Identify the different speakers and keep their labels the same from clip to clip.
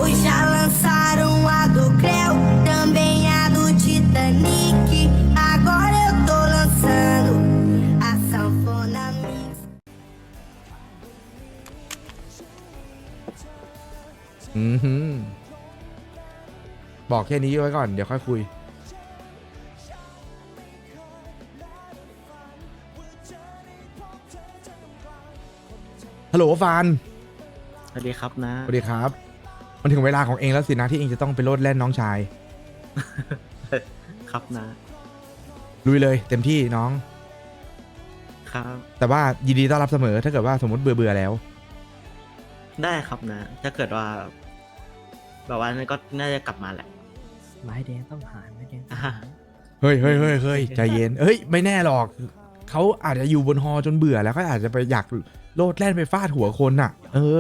Speaker 1: Hoje já lançaram a do Creu, também a do Titanic. Agora eu tô lançando a sanfona mix.
Speaker 2: บอกแค่นี้ไว้ก่อนเดี๋ยวค่อยคุยฮัลโหลฟาน
Speaker 3: สวัสดีครับนะ
Speaker 2: สวัสดีครับมันถึงเวลาของเองแล้วสินะที่เองจะต้องไปโลดแล่นน้องชาย
Speaker 3: ครับนะ
Speaker 2: ลุยเลยเต็มที่น้อง
Speaker 3: ครับ
Speaker 2: แต่ว่ายินดีต้อนรับเสมอถ้าเกิดว่าสมมติเบื่อแล้ว
Speaker 3: ได้ครับนะ ถ้าเกิดว่าแบบว่านั้นก็น่าจะกลับมาแหละ
Speaker 4: ไม้แดงต้องหาไม้แดง
Speaker 3: อ่า
Speaker 2: เฮ้ยใจเย็นเฮ้ยไม่แน่หรอกเขาอาจจะอยู่บนฮอจนเบื่อแล้วก็อาจจะไปอยากโลดแล่นไปฟาดหัวคนน่ะ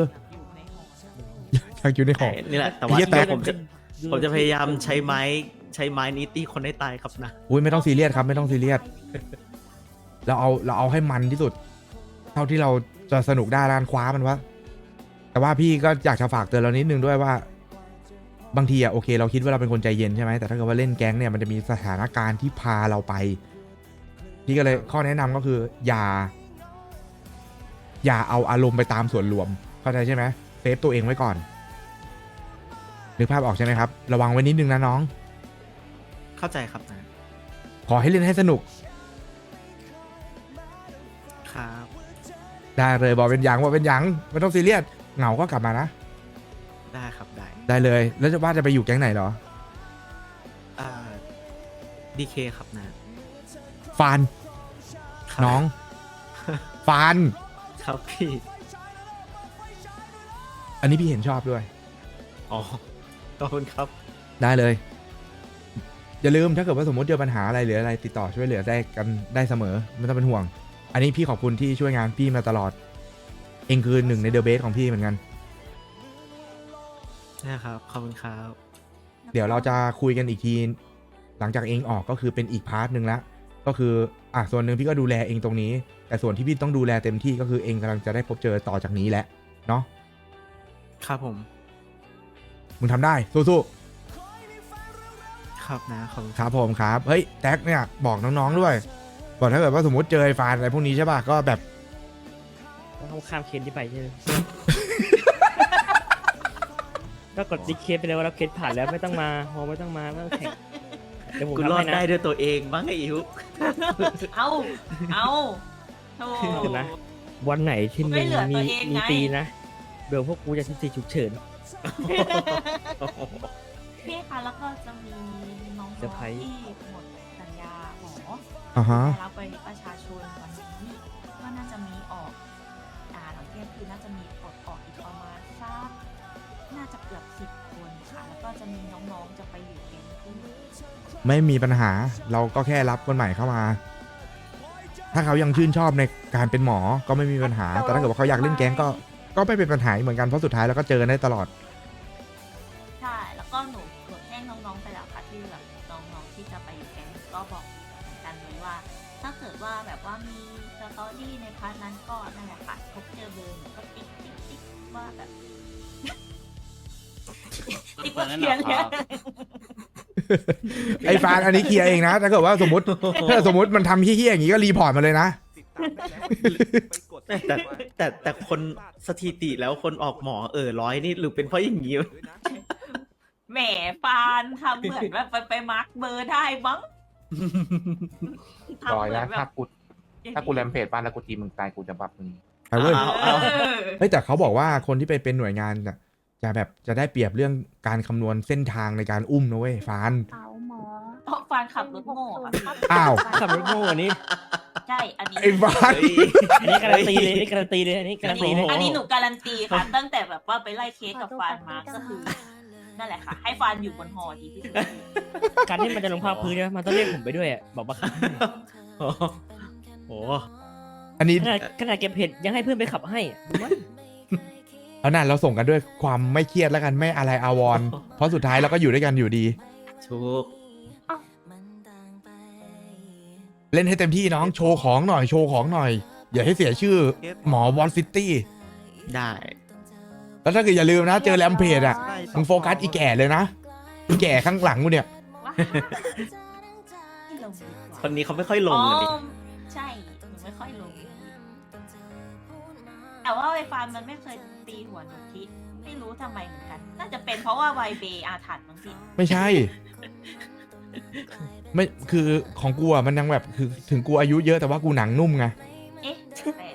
Speaker 2: อยากอยู่ในหอ
Speaker 3: นี่แหละ แต่ว่า
Speaker 2: ไอ้เหี้ยแตก
Speaker 3: ผมจะพยายามใช้ไม้นี้ตีคนให้ตายครับนะ
Speaker 2: อุ้ยไม่ต้องซีเรียสครับไม่ต้องซีเรียสเราเอาให้มันที่สุด เท่าที่เราจะสนุกได้ร้านคว้ามันวะแต่ว่าพี่ก็อยากจะฝากเตือนเรานิดนึงด้วยว่า บางทีอะโอเคเราคิดว่าเราเป็นคนใจเย็นใช่ไหมแต่ถ้าเกิดว่าเล่นแก๊งเนี่ยมันจะมีสถานการณ์ที่พาเราไปพี่ก็เลยข้อแนะนำก็คือ อย่าเอาอารมณ์ไปตามส่วนรวมเข้าใจใช่ไหมเซฟตัวเองไว้ก่อนนึกภาพออกใช่ไหมครับระวังไว้นิดนึงนะน้อง
Speaker 3: เข้าใจครับนะ
Speaker 2: ขอให้เล่นให้สนุก
Speaker 3: ครับ
Speaker 2: ได้เลยบอกเป็นหยังว่าเป็นหยังไม่ต้องซีเรียสเหงาก็กลับมานะ
Speaker 3: ได้ครับได้
Speaker 2: ได้เลยแล้วจะว่าจะไปอยู่แก๊งไหนเหรอ
Speaker 3: ดีเคครับนะ
Speaker 2: ฟาน
Speaker 3: ครับ
Speaker 2: น้อง ฟาน
Speaker 3: ครับพี่
Speaker 2: อันนี้พี่เห็นชอบด้วย
Speaker 3: อ๋อขอบคุณครับ
Speaker 2: ได้เลย อย่าลืมถ้าเกิดว่าสมมติเจอปัญหาอะไรหรืออะไรติดต่อช่วยเหลือได้กันได้เสมอไม่ต้องเป็นห่วง อันนี้พี่ขอบคุณที่ช่วยงานพี่มาตลอด เองคือหนึ่งในเดอะเบสของพี่เหมือนกัน
Speaker 3: นะครับ ขอบคุณครับ
Speaker 2: เดี๋ยวเราจะคุยกันอีกทีหลังจากเองออกก็คือเป็นอีกพาร์ทหนึ่งละก็คือส่วนหนึ่งพี่ก็ดูแลเองตรงนี้ แต่ส่วนที่พี่ต้องดูแลเต็มที่ก็คือเองกำลังจะได้พบเจอต่อจากนี้แหละเนาะ
Speaker 3: ครับผม
Speaker 2: มึงทำได้สู้
Speaker 3: ครับนะ ขอบคุณ
Speaker 2: ๆครับผมครับเฮ้ยแท็กเนี่ยบอกน้องๆด้วยบอกถ้าเกิดว่าสมมติเจอไอ้ฟานอะไรพวกนี้ใช่ป่ะก็แบบ
Speaker 4: ต้องข้ามเคนที่ไปใช่ไหม ก็กดดิเคสไปเลยว่าเราเคสผ่านแล้วไม่ต้องมาฮอไม่ต้องมาไม่ต้องแข่งเดี๋ยวผม
Speaker 3: คุณ
Speaker 4: ทำ
Speaker 3: รอด
Speaker 4: ให้นะ
Speaker 3: ได้ด้วยตัวเองบ้างไอ้อิ๋ว
Speaker 5: เอาโธ่
Speaker 4: เดี๋ยวนะ วันไหนที่
Speaker 5: ไม่
Speaker 4: มึง
Speaker 5: เหลือ
Speaker 4: มี
Speaker 5: ตัวเอง
Speaker 4: มี
Speaker 5: ไง
Speaker 4: ตีนะเดี๋ยวพวกกูจะที่ฉุกเฉิน
Speaker 5: พี่คะแล้วก็จะมีน้อง
Speaker 4: เซอร์ไพรส์
Speaker 5: ที่หมดสัญญาหมอ
Speaker 2: อ่าฮะ
Speaker 5: ได้รับไปประชาชนวันนี้ก็น่าจะมีออกหลังเที่ยงคืนน่าจะมีปลดออกอีกประมาณสักน่าจะเกือบ10 คนค่ะ แล้วก็จะมีน้องๆจะไปอยู่แก๊งที่
Speaker 2: ไม่มีปัญหาเราก็แค่รับคนใหม่เข้ามา ถ้าเขายังชื่นชอบในการเป็นหมอก็ไม่มีปัญหา แต่ถ้าเกิดว่าเขาอยากเล่นแก๊งก็ไม่เป็นปัญหาเหมือนกันเพราะสุดท้ายเราก็เจอกันได้ตลอด
Speaker 5: ใช่ แล้วก็หนูแจ้งน้องๆไปแล้วค่ะที่แบบน้องๆที่จะไปอยู่แก๊งก็บอกเหมือนกันเลยว่า ถ้าเกิดว่าแบบว่ามีสตอรี่ในพาร์ทนั้นก็นั่นแหละค่ะพบเจอเบอร์หนูก็ติ๊กว่าแบบ ติ๊กว่าเขียนเนี่ย
Speaker 2: ไอ้ฟานอันนี้เคลียร์เองนะถ้าเกิดว่าสมมติถ้าสมมติมันทำเฮี้ยๆอย่างนี้ก็รีพอร์ตมาเลยนะ
Speaker 3: แต่คนสถิติแล้วคนออกหมอ100นี่หรือเป็นเพราะอย่างนี้วะ
Speaker 5: แหมฟานทำเหมือนแบบไปมาร์กเบอร์ได้มั้ง
Speaker 6: รอยแล้ว
Speaker 5: ทำเหมืนแบบ
Speaker 6: ถ้ากูแรมเพจบ้านแล้วกูตีมึงตายกูจะบัฟมึง
Speaker 2: ไปเว้ย
Speaker 5: เออ
Speaker 2: เฮ้ยแต่เขาบอกว่าคนที่ไปเป็นหน่วยงานน่ะจะแบบจะได้เปรียบเรื่องการคำนวณเส้นทางในการอุ้มนะเว้ยฟาน
Speaker 7: เอาหมอ
Speaker 5: เพราะฟานขับรถโง่อะ
Speaker 2: อ้าว
Speaker 4: ขับรถโง่อันนี้
Speaker 5: ใช่ อันนี้
Speaker 2: ไอ้ฟาน
Speaker 4: อันนี้การันตีเลยอันนี้การันตีเลยอันนี้การันตีเลย
Speaker 5: อันนี้หนูการันตีค่ะ ตั้งแต่แบบว่าไปไล่เคสกับฟานมาก็คือ นั่นแหละค่ะ ให้ฟานอยู่บนหอดีที่สุด
Speaker 4: การที่มันจะลงภาคพื้นเนี่ยมันต้องเรียกผมไปด้วยอะบอกว่าขับ
Speaker 3: โอ้โห
Speaker 2: อันนี้
Speaker 4: ขนาดเก็บเห็ดยังให้เพื่อนไปขับให้อะดูมั้ย
Speaker 2: เอาน่ะเราส่งกันด้วยความไม่เครียดแล้วกันไม่อะไรอาวรณ์เพราะสุดท้ายเราก็อยู่ด้วยกันอยู่ดี
Speaker 3: ถูก
Speaker 2: เล่นให้เต็มที่น้องโชว์ของหน่อยโชว์ของหน่อย อย่าให้เสียชื่อหมอวอลซิตี้
Speaker 3: ได้
Speaker 2: แล้วถ้าเกิดอย่าลืมนะ เจอแรมเพจอ่ะ
Speaker 3: ใช่
Speaker 2: มึงโฟกัสอีแก่เลยนะอีแก่ข้างหลังกูเนี่ย
Speaker 5: ว้าไม่ลงดีกว่า
Speaker 3: คนนี้เขาไม่ค่อยลงเลยดิ
Speaker 5: อ๋อใช่หนูไม่ค่อยลง แต่ว่าไวฟานมันไม่เคยตีหัวหนูคิดไม่รู้ทำไมเหมือนกัน น่าจะเป็นเพราะว่าไวเบอาถรรพ์มั้งพี่
Speaker 2: ไม่ใช่ ไม่คือของกูอ่ะมันยังแบบคือถึงกูอายุเยอะแต่ว่ากูหนังนุ่มไง
Speaker 5: เอ๊ะแปลก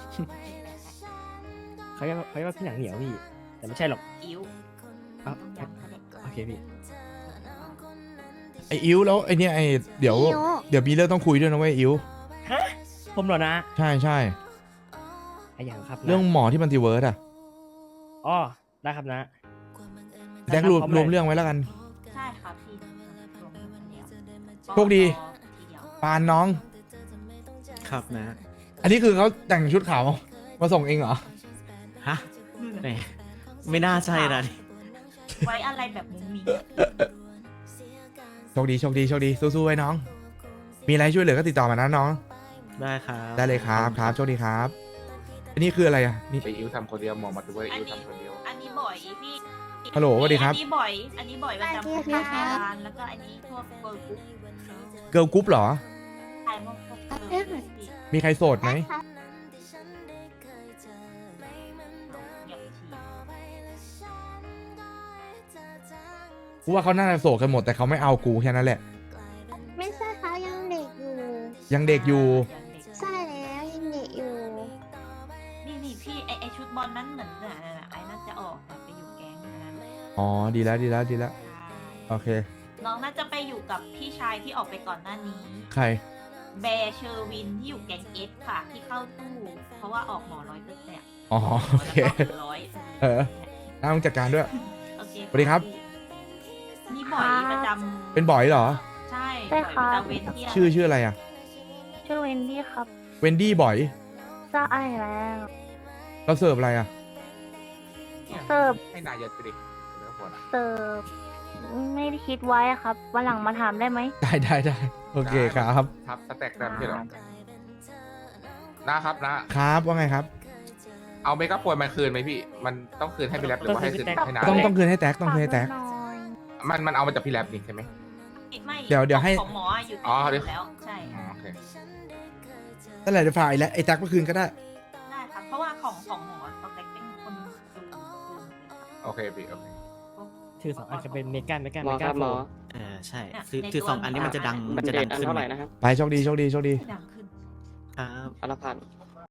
Speaker 4: เขาเรียกว่าพี่หนังเหนียวพี่ แต่ไม่ใช่หรอก
Speaker 5: อิ๋ว
Speaker 4: อ้าว
Speaker 5: ต้องย้ำเขาเลย
Speaker 4: โอเคพี่
Speaker 2: ไออิวแล้วไอเนี่ยไอเดี๋ยวมีเรื่องต้องคุยด้วยนะเว้ยอิว
Speaker 4: ผมเหรอนะ
Speaker 2: ใช่ใช่
Speaker 4: ไอ้อย่างครับนะ
Speaker 2: เรื่องหมอที่มันติเวิร์สอ่ะ
Speaker 4: อ๋อได้ครับนะ
Speaker 2: แจ็ครวมเรื่องไว้แล้วกัน
Speaker 5: ใช่ครับพี่รวมกันแล้ว
Speaker 2: โชคดี
Speaker 5: ทีเดียว
Speaker 2: ปานน้อง
Speaker 3: ครับนะ
Speaker 2: อันนี้คือเขาแต่งชุดขาวมาส่งเองเหรอ
Speaker 3: ฮะแหมไม่น่าใช่นะ
Speaker 5: ไว้อะไรแบบมุ้งมิ้ง
Speaker 2: โชคดีโชคดีโชคดีสู้ๆไว้น้อง มีอะไรช่วยเหลือก็ติดต่อมานะน้อง
Speaker 3: ได้ครับ
Speaker 2: ได้เลยครับครับโชคดีครับ อันนี้คืออะไรอ่ะนี่
Speaker 6: ไปอิวทำคนเดียวหมอมาดูว่าอิวทำคนเดียว
Speaker 5: อันนี้บ่อยพี่
Speaker 2: ฮัลโหลสวัสดีครับ
Speaker 5: อันนี้บ่อย อันนี้บ่อยประจำทำงานแล้วก็อันนี้พวกเบอร์กุ๊ก
Speaker 2: เกิร์ลกรุ๊ปเหรอ
Speaker 5: ถ่ายพวกเบอร์กุ๊กพี่
Speaker 2: มีใครโสดไหม
Speaker 5: อย่างที
Speaker 2: กูว่าเขาน่าจะโสดกันหมดแต่เขาไม่เอากูแค่นั้นแหละ
Speaker 7: ไม่ใช่เขายังเด็กอยู่
Speaker 2: ยังเด็กอยู่
Speaker 5: อย่างเด็ก
Speaker 7: ใช่แล้วยังเด็กอยู่
Speaker 5: นี่พี่ไอชุดบอลนั้นเหมือนน่ะไอ้น่าจะออกแต่ไปอยู่แก๊งนั้น
Speaker 2: อ๋อดีแล้วดีแล้วดีแล้วโอเค
Speaker 5: น้องน่าจะไปอยู่กับพี่ชายที่ออกไปก่อนหน้านี้
Speaker 2: ใคร
Speaker 5: แบร์เชอร์วินที่อยู่แก๊งเอสค่ะ ที่เข้าตู้ เพราะว่าออกหมอ100%เนี่ย
Speaker 2: อ๋อโอเค
Speaker 5: ร้อย
Speaker 2: เออน้าต้องจัดการด้วย
Speaker 5: โอเค
Speaker 2: สวัสดีครับ
Speaker 5: นี่บ่อยประจำ
Speaker 2: เป็นบ่อยเหรอ
Speaker 5: ใช่
Speaker 7: ใช่
Speaker 5: บ่อย
Speaker 7: ค่ะ
Speaker 5: ประจำเว้นเที่ยง
Speaker 2: ชื่ออะไรอ่ะ
Speaker 7: ชื่อเวนดี้ครับ
Speaker 2: เวนดี้บ่อย
Speaker 7: จะไอแล้ว
Speaker 2: เราเสิร์ฟอะไรอ่ะ
Speaker 7: เสิร์ฟ
Speaker 6: ให้นายยัดไปดิเดี๋ยวก่อนอะ
Speaker 7: เสิร์ฟไม่ได้คิดไว้อะครับวันหลังมาถามได้ไหม
Speaker 2: ได้โอเคครับ
Speaker 6: ทับสแต็กแรมใช่เหรอนะครับนะครับ
Speaker 2: ว่าไงครับ
Speaker 6: เอาเมกะโปรยมาคืนไหมพี่ มันต้องคืนให้พี่แรปหรือว่าให้คืนให้นา
Speaker 2: ต้องคืนให้แท็กต้องคืนให้แท็ก
Speaker 7: ฝากหน่อย
Speaker 6: มันเอามาจากพี่แรปนี่ใช่ไหม
Speaker 5: ไม่
Speaker 2: เดี๋ยวให้
Speaker 5: ของหมออยู่
Speaker 6: อ๋อ
Speaker 5: ที่
Speaker 6: เดี๋ยว
Speaker 5: แล้ว ใช่
Speaker 6: อ๋อโอเค
Speaker 2: นั่นแหละเดี๋ยวฝ่ายแล้วไอ้แท็กเมื่อคืนก็ได้
Speaker 5: ได้ครับ เพราะว่าของหมอสเต็กเป็นคนดู
Speaker 6: โอเคพี่โอเค
Speaker 4: ถือ2 อันจะเป็นเมกัน
Speaker 8: หมอครับหมอ
Speaker 3: ใช่คือ2 อันนี้มันจะดัง
Speaker 8: มันจะ
Speaker 3: ดั
Speaker 8: เด็
Speaker 3: ง
Speaker 8: ดอัน
Speaker 3: ขึ้น
Speaker 8: เท่าไหร่นะครับ
Speaker 2: ไปโชคดี
Speaker 5: ดังขึ้น
Speaker 3: ครับ
Speaker 8: อันละพัน